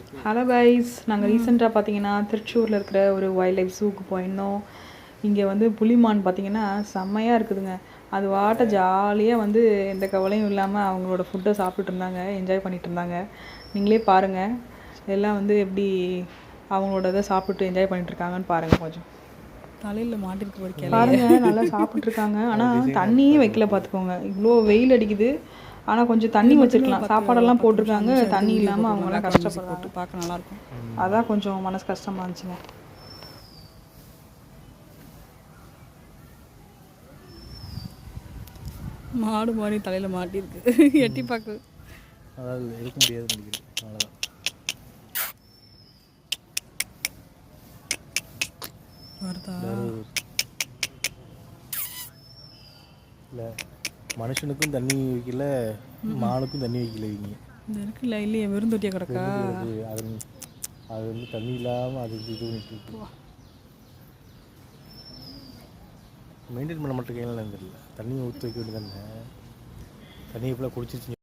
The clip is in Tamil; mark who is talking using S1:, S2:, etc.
S1: ஹலோ கைஸ், நாங்கள் ரீசெண்டாக பார்த்தீங்கன்னா திருச்சூரில் இருக்கிற ஒரு வைல்ட் லைஃப் ஜூக்கு போயிருந்தோம். இங்கே வந்து புலிமான் பார்த்தீங்கன்னா செம்மையாக இருக்குதுங்க. அது வாட்ட ஜாலியாக வந்து எந்த கவலையும் இல்லாமல் அவங்களோட ஃபுட்டை சாப்பிட்டுட்டு இருந்தாங்க, என்ஜாய் பண்ணிட்டு இருந்தாங்க. நீங்களே பாருங்கள், எல்லாம் வந்து எப்படி அவங்களோட இதை சாப்பிட்டு என்ஜாய் பண்ணிட்டு இருக்காங்கன்னு பாருங்கள். கொஞ்சம்
S2: தலையில் மாட்டிருக்கு
S1: பாருங்க, நல்லா சாப்பிட்ருக்காங்க. ஆனால் தண்ணியே வைக்கல பார்த்துக்கோங்க. இவ்வளோ வெயில் அடிக்குது, ஆனால் கொஞ்சம் தண்ணி வச்சுருக்கலாம். சாப்பாடெல்லாம் போட்டிருக்காங்க, தண்ணி இல்லாமல் அவங்களாம் கஷ்டப்படுறாங்க.
S2: பார்க்க நல்லாயிருக்கும்.
S1: அதான் கொஞ்சம் மனசு கஷ்டமாக இருந்துச்சுங்க.
S2: மாடு மாடி தலையில் மாட்டிருக்கு, எட்டி பார்க்கு.
S3: அதாவது எடுக்க முடியாது நினைக்கிறேன். அவ்வளோதான்.
S2: வருதா
S3: இல்லை, மனுஷனுக்கும் தண்ணி வைக்கல, மானுக்கும் தண்ணி வைக்கல. இவங்க
S2: இந்த இருக்குல்ல இல்லையே, வெறும் தொட்டியாக கிடக்கா.
S3: அது அது வந்து தண்ணி இல்லாமல் அது இது பண்ணிட்டு இருக்கு. மெயின்டைன் பண்ண மாட்டேங்க தெரியல. தண்ணியை ஊற்றி வைக்க வேண்டியதானே, தண்ணியை ஃபுல்லாக குடிச்சிருச்சு.